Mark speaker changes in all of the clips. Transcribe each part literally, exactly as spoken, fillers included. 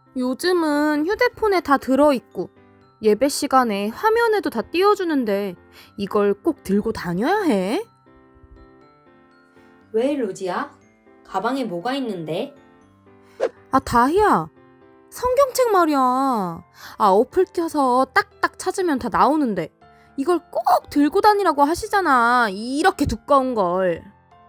Speaker 1: 요즘은 휴대폰에 다 들어있고 예배 시간에 화면에도 다 띄워주는데 이걸 꼭 들고 다녀야 해?
Speaker 2: 왜 로지야? 가방에 뭐가 있는데?
Speaker 1: 아, 다희야. 성경책 말이야. 아, 어플 켜서 딱딱 찾으면 다 나오는데 이걸 꼭 들고 다니라고 하시잖아. 이렇게 두꺼운 걸.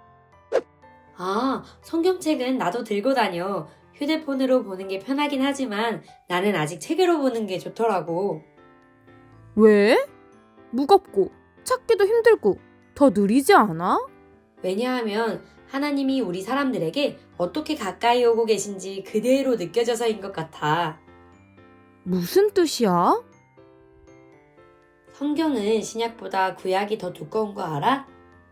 Speaker 2: 아, 성경책은 나도 들고 다녀. 휴대폰으로 보는 게 편하긴 하지만 나는 아직 책으로 보는 게 좋더라고.
Speaker 1: 왜? 무겁고 찾기도 힘들고 더 느리지 않아?
Speaker 2: 왜냐하면 하나님이 우리 사람들에게 어떻게 가까이 오고 계신지 그대로 느껴져서인 것 같아.
Speaker 1: 무슨 뜻이야?
Speaker 2: 성경은 신약보다 구약이 더 두꺼운 거 알아?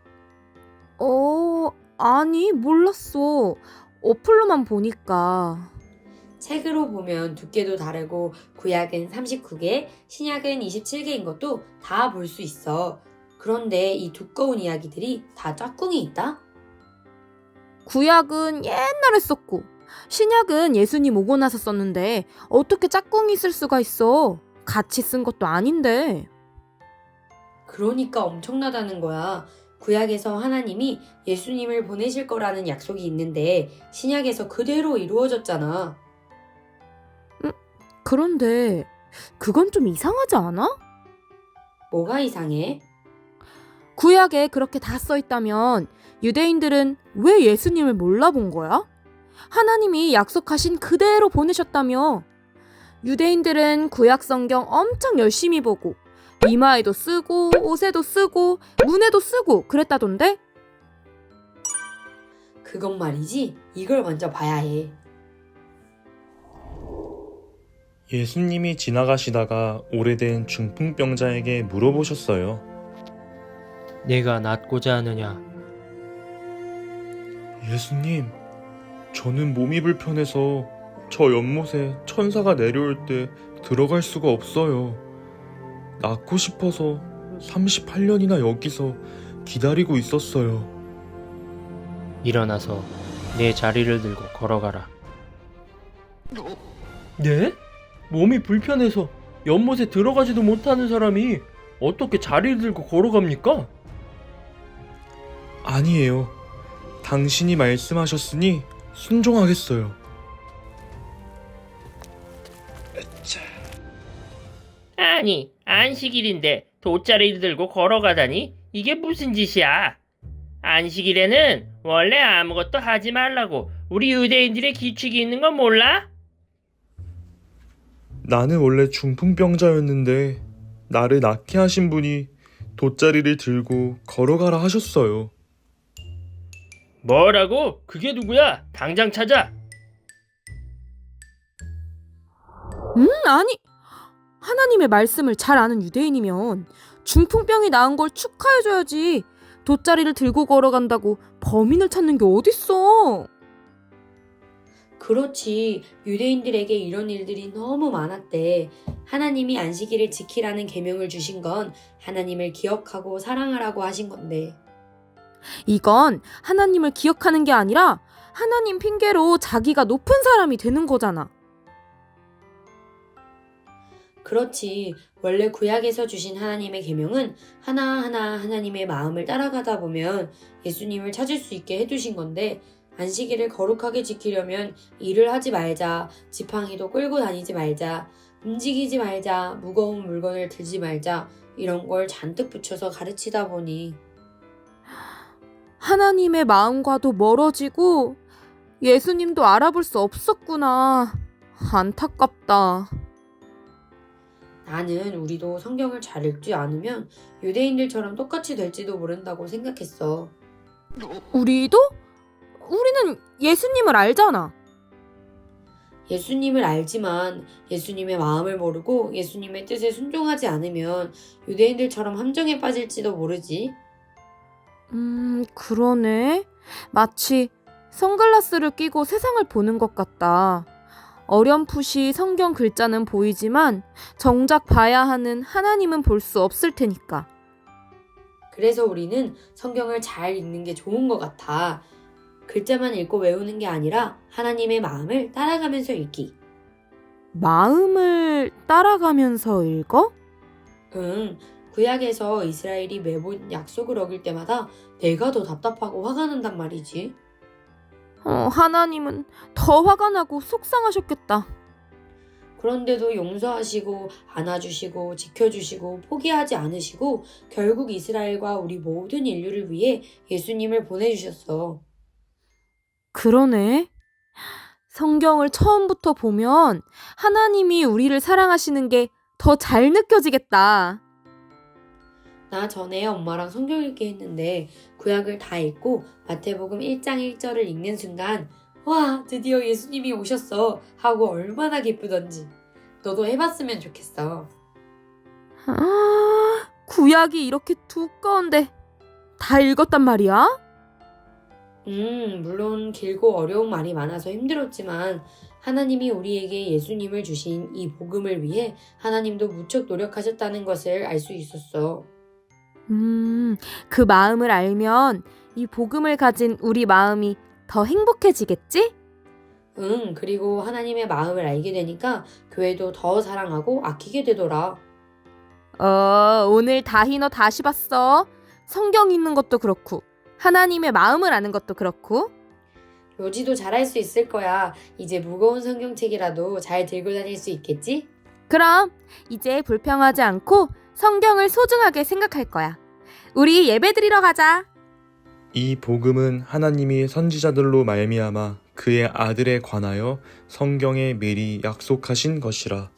Speaker 1: 어, 아니, 몰랐어. 어플로만 보니까.
Speaker 2: 책으로 보면 두께도 다르고 구약은 삼십구 개, 신약은 이십칠 개인 것도 다 볼 수 있어. 그런데 이 두꺼운 이야기들이 다 짝꿍이 있다?
Speaker 1: 구약은 옛날에 썼고, 신약은 예수님 오고 나서 썼는데, 어떻게 짝꿍이 쓸 수가 있어? 같이 쓴 것도 아닌데.
Speaker 2: 그러니까 엄청나다는 거야. 구약에서 하나님이 예수님을 보내실 거라는 약속이 있는데 신약에서 그대로 이루어졌잖아.
Speaker 1: 그런데, 그건 좀 이상하지 않아?
Speaker 2: 뭐가 이상해?
Speaker 1: 구약에 그렇게 다 써있다면, 유대인들은 왜 예수님을 몰라본 거야? 하나님이 약속하신 그대로 보내셨다며. 유대인들은 구약 성경 엄청 열심히 보고 이마에도 쓰고 옷에도 쓰고 문에도 쓰고 그랬다던데?
Speaker 2: 그건 말이지. 이걸 먼저 봐야 해.
Speaker 3: 예수님이 지나가시다가 오래된 중풍병자에게 물어보셨어요.
Speaker 4: 내가 낫고자 하느냐?
Speaker 3: 예수님, 저는 몸이 불편해서 저 연못에 천사가 내려올 때 들어갈 수가 없어요. 낫고 싶어서 삼십팔 년이나 여기서 기다리고 있었어요.
Speaker 4: 일어나서 내 자리를 들고 걸어가라. 네? 몸이 불편해서 연못에 들어가지도 못하는 사람이 어떻게 자리를 들고 걸어갑니까?
Speaker 3: 아니에요. 당신이 말씀하셨으니 순종하겠어요.
Speaker 5: 아니, 안식일인데 돗자리를 들고 걸어가다니? 이게 무슨 짓이야? 안식일에는 원래 아무것도 하지 말라고 우리 유대인들의 규칙이 있는 건 몰라?
Speaker 3: 나는 원래 중풍병자였는데 나를 낫게 하신 분이 돗자리를 들고 걸어가라 하셨어요.
Speaker 5: 뭐라고? 그게 누구야? 당장 찾아!
Speaker 1: 음, 아니. 하나님의 말씀을 잘 아는 유대인이면 중풍병이 나은 걸 축하해줘야지. 돗자리를 들고 걸어간다고 범인을 찾는 게 어딨어.
Speaker 2: 그렇지. 유대인들에게 이런 일들이 너무 많았대. 하나님이 안식일을 지키라는 계명을 주신 건 하나님을 기억하고 사랑하라고 하신 건데.
Speaker 1: 이건 하나님을 기억하는 게 아니라 하나님 핑계로 자기가 높은 사람이 되는 거잖아.
Speaker 2: 그렇지. 원래 구약에서 주신 하나님의 계명은 하나하나 하나님의 마음을 따라가다 보면 예수님을 찾을 수 있게 해두신 건데 안식일을 거룩하게 지키려면 일을 하지 말자, 지팡이도 끌고 다니지 말자, 움직이지 말자, 무거운 물건을 들지 말자 이런 걸 잔뜩 붙여서 가르치다 보니
Speaker 1: 하나님의 마음과도 멀어지고 예수님도 알아볼 수 없었구나. 안타깝다.
Speaker 2: 나는 우리도 성경을 잘 읽지 않으면 유대인들처럼 똑같이 될지도 모른다고 생각했어.
Speaker 1: 우리도? 우리는 예수님을 알잖아.
Speaker 2: 예수님을 알지만 예수님의 마음을 모르고 예수님의 뜻에 순종하지 않으면 유대인들처럼 함정에 빠질지도 모르지.
Speaker 1: 음, 그러네. 마치 선글라스를 끼고 세상을 보는 것 같다. 어렴풋이 성경 글자는 보이지만 정작 봐야 하는 하나님은 볼 수 없을 테니까.
Speaker 2: 그래서 우리는 성경을 잘 읽는 게 좋은 것 같아. 글자만 읽고 외우는 게 아니라 하나님의 마음을 따라가면서 읽기.
Speaker 1: 마음을 따라가면서 읽어?
Speaker 2: 응, 구약에서 이스라엘이 매번 약속을 어길 때마다 내가 더 답답하고 화가 난단 말이지.
Speaker 1: 어, 하나님은 더 화가 나고 속상하셨겠다.
Speaker 2: 그런데도 용서하시고 안아주시고 지켜주시고 포기하지 않으시고 결국 이스라엘과 우리 모든 인류를 위해 예수님을 보내주셨어.
Speaker 1: 그러네. 성경을 처음부터 보면 하나님이 우리를 사랑하시는 게 더 잘 느껴지겠다.
Speaker 2: 나 전에 엄마랑 성경 읽기 했는데 구약을 다 읽고 마태복음 일 장 일 절을 읽는 순간 와, 드디어 예수님이 오셨어 하고 얼마나 기쁘던지. 너도 해봤으면 좋겠어.
Speaker 1: 아, 구약이 이렇게 두꺼운데 다 읽었단 말이야?
Speaker 2: 음, 물론 길고 어려운 말이 많아서 힘들었지만 하나님이 우리에게 예수님을 주신 이 복음을 위해 하나님도 무척 노력하셨다는 것을 알 수 있었어.
Speaker 1: 음, 그 마음을 알면 이 복음을 가진 우리 마음이 더 행복해지겠지?
Speaker 2: 응, 그리고 하나님의 마음을 알게 되니까 교회도 더 사랑하고 아끼게 되더라.
Speaker 1: 어, 오늘 다희 너 다시 봤어. 성경 읽는 것도 그렇고 하나님의 마음을 아는 것도 그렇고.
Speaker 2: 로지도 잘할 수 있을 거야. 이제 무거운 성경책이라도 잘 들고 다닐 수 있겠지?
Speaker 1: 그럼 이제 불평하지 않고 성경을 소중하게 생각할 거야. 우리 예배드리러 가자.
Speaker 3: 이 복음은 하나님이 선지자들로 말미암아 그의 아들에 관하여 성경에 미리 약속하신 것이라.